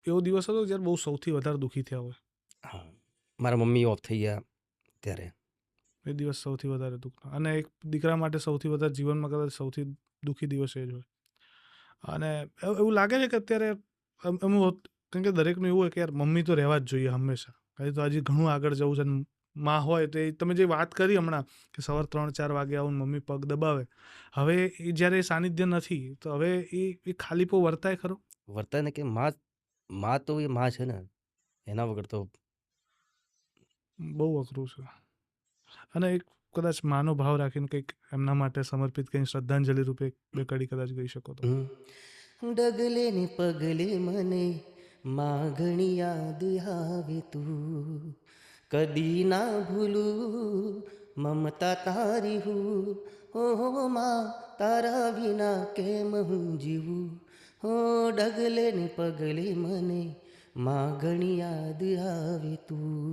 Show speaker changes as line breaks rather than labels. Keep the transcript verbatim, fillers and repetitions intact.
એવો દિવસ હતો જ્યારે બહુ સૌથી વધારે દુઃખી થયા હોય?
હા, મારા મમ્મી ઓફ થઈ ગયા ત્યારે.
એ દિવસ સૌથી વધારે દુઃખનો, અને એક દીકરા માટે સૌથી વધારે જીવનમાં કદાચ સૌથી દુઃખી દિવસ એ જ હોય. અને એવ એવું લાગે છે કે અત્યારે એમ એમ હોત, કેમ કે દરેકનું એવું હોય કે યાર મમ્મી તો રહેવા જ જોઈએ હંમેશા. હજી તો હજી ઘણું આગળ જવું છે, અને માં હોય તો એ તમે જે વાત કરી હમણાં કે સવાર ત્રણ ચાર વાગે આવું ને મમ્મી પગ દબાવે. હવે એ જ્યારે એ સાનિધ્ય નથી તો હવે એ એ ખાલીપો વર્તાય ખરો?
વર્તાય ને કે માં માં તો એ માં છે ને, એના વગર તો
બહુ અઘરું છે. અને એક કદાચ માનો ભાવ રાખીને કંઈક એમના માટે સમર્પિત કંઈ શ્રદ્ધાંજલિ રૂપે બે કડી કદાચ ગઈ શકો તો?
હમ. ડગલે ને પગલે મને માં ઘણી યાદ આવે તું, કદી ના ભૂલું મમતા તારી હું. હો માં તારા વિના કેમ હું જીવું. હો ડગલે ને પગલે મને માં ઘણી યાદ આવે તું.